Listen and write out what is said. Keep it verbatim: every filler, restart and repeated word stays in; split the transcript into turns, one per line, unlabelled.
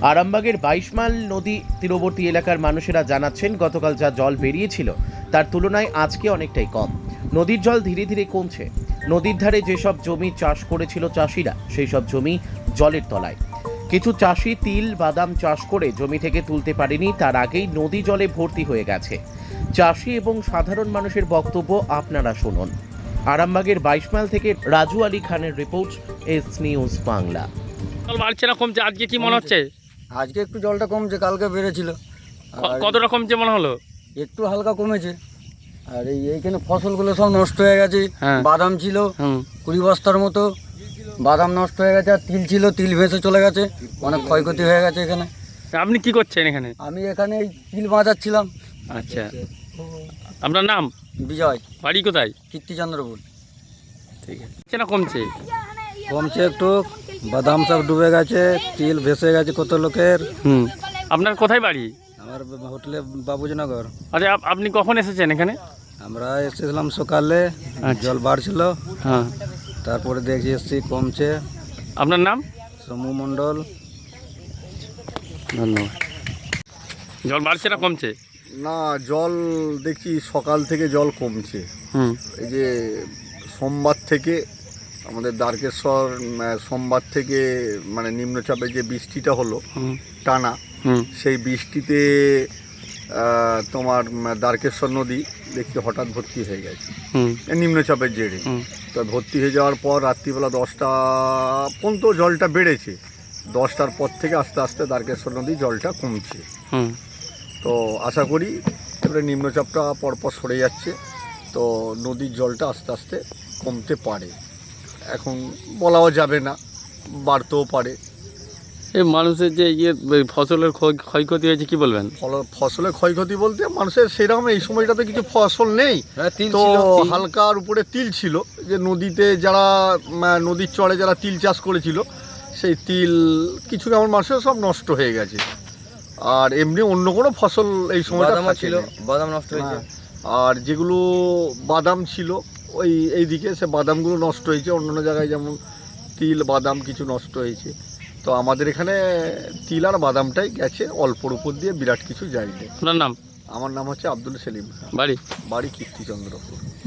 আরামবাগের বাইশ মাইল নদী তীরবর্তী এলাকার মানুষেরা জানাচ্ছেন, গতকাল যা জল বেরিয়েছিল তার তুলনায় আজকে অনেকটাই কম। নদীর জল ধীরে ধীরে কমছে। নদীর ধারে যেসব জমি চাষ করেছিল চাষিরা, সেই সব জমি জলের তলায়। কিছু চাষি তিল বাদাম চাষ করে জমি থেকে তুলতে পারেনি, তার আগেই নদী জলে ভর্তি হয়ে গেছে। চাষি এবং সাধারণ মানুষের বক্তব্য আপনারা শুনুন। আরামবাগের বাইশ মাইল থেকে রাজু আলী খানের রিপোর্ট, এস নিউজ বাংলা।
জল বাড়ছে না কমছে? আজকে কি মনে হচ্ছে?
আজকে একটু জলটা কমছে, কালকে বেড়েছিল। আর
কতটা কমছে মনে হলো?
একটু হালকা কমেছে। আর এই এইখানে ফসলগুলো সব নষ্ট হয়ে গেছে।
হ্যাঁ।
বাদাম ছিল
হুম
কুড়ি বস্তার মতো, বাদাম নষ্ট হয়ে গেছে। আর তিল ছিল, তিল ভেসে চলে গেছে, অনেক ক্ষয়ক্ষতি হয়ে গেছে এখানে।
আপনি কি করছেন এখানে?
আমি এখানে এই তিল বাঁচাচ্ছিলাম।
আচ্ছা, আপনার নাম?
বিজয়,
বাড়ি কোথায়?
কীর্তিচন্দ্রপুর।
ঠিক আছে, বাড়ছে না কমছে?
কমছে একটু, বাদাম সব ডুবে গেছে, তিল ভেসে গেছে কত লোকের।
হুম আপনার কোথায় বাড়ি?
আমার হোটেলে বাবুজনগর।
আচ্ছা, আপ- আপনি কখন এসেছেন এখানে?
আমরা এসেছিলাম সকালে,
আচ্ছা।
জল বাড়ছিল,
হ্যাঁ,
তারপরে দেখছি এসছি কমছে।
আপনার নাম?
সমু মণ্ডল।
ধন্যবাদ। জল বাড়ছে না কমছে?
না, জল দেখছি সকাল থেকে জল কমছে।
হুম
এই যে সোমবার থেকে আমাদের দ্বারকেশ্বর উম, সোমবার থেকে মানে নিম্নচাপে যে বৃষ্টিটা হলো
হুম
টানা,
হুম
সেই বৃষ্টিতে আহ, তোমার উম, দ্বারকেশ্বর নদী দেখছি হঠাৎ ভর্তি হয়ে গেছে
হুম
এই নিম্নচাপের জেরে।
হুম
তো ভর্তি হয়ে যাওয়ার পর রাত্রিবেলা দশটা পর্যন্ত জলটা বেড়েছে। দশটার পর থেকে আস্তে আস্তে দ্বারকেশ্বর নদী জলটা কমছে।
হুম
তো আশা করি এবারে নিম্নচাপটা পরপর সরে যাচ্ছে, তো নদীর জলটা আস্তে আস্তে কমতে পারে। এখন বলাও যাবে না, বাড়তেও পারে।
এই মানুষের যে ইয়ে ফসলের ক্ষয়- ক্ষয়ক্ষতি হয়েছে, কি বলবেন?
ফল ফসলের ক্ষয়ক্ষতি বলতে মানুষের সেরকম এই সময়টাতে কিছু ফসল নেই, তো হালকার উপরে তিল ছিল। যে নদীতে যারা উম, নদীর চড়ে যারা তিল চাষ করেছিল, সেই তিল কিছু কেমন মানুষের সব নষ্ট হয়ে গেছে। আর এমনি অন্য কোনো ফসল এই সময়টা ছিল,
বাদাম নষ্ট হয়েছে।
আর যেগুলো বাদাম ছিল ওই এইদিকে, সে বাদামগুলো নষ্ট হয়েছে। অন্যান্য জায়গায় যেমন তিল বাদাম কিছু নষ্ট হয়েছে, তো আমাদের এখানে তিল আর বাদামটাই গেছে অল্পর উপর দিয়ে, বিরাট কিছু যায়নি।
আপনার নাম?
আমার নাম হচ্ছে আব্দুল সেলিম,
বাড়ি?
বাড়ি কীর্তিচন্দ্রপুর।